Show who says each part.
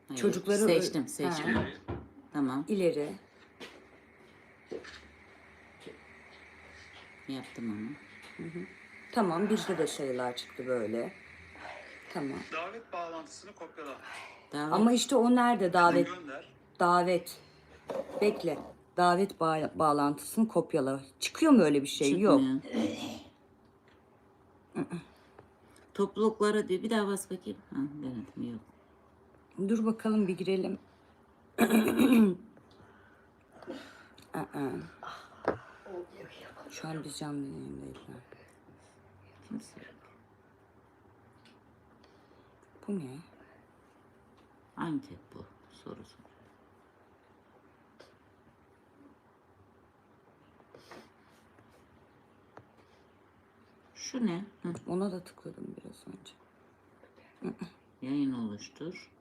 Speaker 1: Hayır.
Speaker 2: Çocukları
Speaker 1: Seçtim.
Speaker 2: Ha.
Speaker 1: Tamam.
Speaker 2: İleri.
Speaker 1: Yaptım onu.
Speaker 2: Tamam, bizde de sayılar çıktı böyle. Tamam.
Speaker 3: Davet bağlantısını kopyala.
Speaker 1: Davet.
Speaker 2: Ama işte o nerede davet?
Speaker 3: Gönder.
Speaker 2: Davet. Bekle. Davet bağlantısını kopyala. Çıkıyor mu öyle bir şey?
Speaker 1: Çıkmıyor.
Speaker 2: Yok.
Speaker 1: Topluluklara diyor. Bir daha bas bakayım. Ha, denedim. Yok.
Speaker 2: Dur bakalım bir girelim. Şu an biz canlı yayındayız.
Speaker 1: Kimse yok.
Speaker 2: Bu ne?
Speaker 1: Anket bu. Sorusu. Şu ne? Hı.
Speaker 2: Ona da tıkladım biraz önce.
Speaker 1: Yayın oluştur.